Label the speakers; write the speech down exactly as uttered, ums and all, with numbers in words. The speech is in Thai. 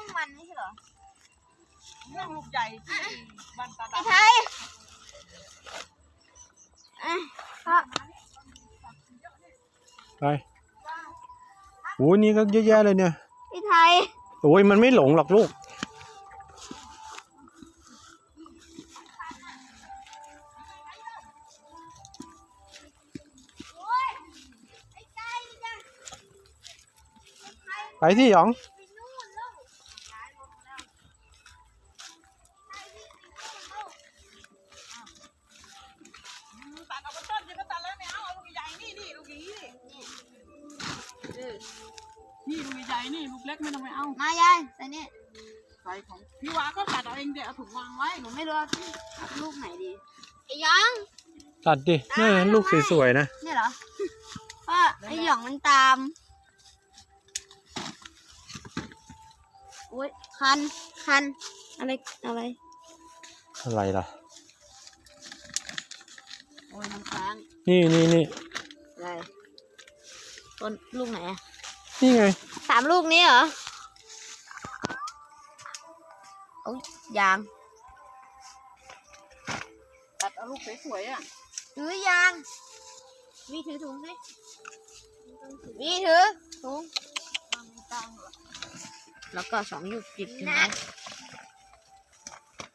Speaker 1: วงมันไม่ใช่เหรอ
Speaker 2: ม่วงลูกใหญ่ที่บ้านตาดำ
Speaker 1: ไทย
Speaker 3: ไปโอ้ยนี่ก็เยอะแยะเลยเนี่ย
Speaker 1: พี่ไทย
Speaker 3: โอ้ยมันไม่หลงหรอกลูกไปที่หยอง
Speaker 2: ตัดเอาไปต้นจะก็ตัดแล้วไม่เอาเอาลูกใหญ่นี่นี่ลูกนี้นี่ลูกใหญ่นี่ลูกเล็กไม่ต้องไปเอา
Speaker 1: มายายใส่นี่
Speaker 2: ใส่ของพี่วาก็ตัดเอาเองเดี๋ยวเอาถุงวางไว้
Speaker 1: หนูไม่รู้ลูกไหนดีไอ้ยัง
Speaker 3: ตัดดินี่ลูกสวยๆนะ
Speaker 1: นี่เหรอพ่อไอ้หยองมันตามโอ้ยคันคันอะไรอะไร
Speaker 3: อะไรล่ะ
Speaker 1: โอ้ยน้ำค้าง
Speaker 3: นี่นี่นี่
Speaker 1: อะไรต้นลูกไหนอ่ะ
Speaker 3: นี่ไง
Speaker 1: สามลูกนี้เหรอโอ้ยยาง
Speaker 2: ตัดเอาลูกสวยๆอ่ะ
Speaker 1: ถือยางวีถือถุงสิวีถือถุงแล้วก็สองหยุดจิบนะ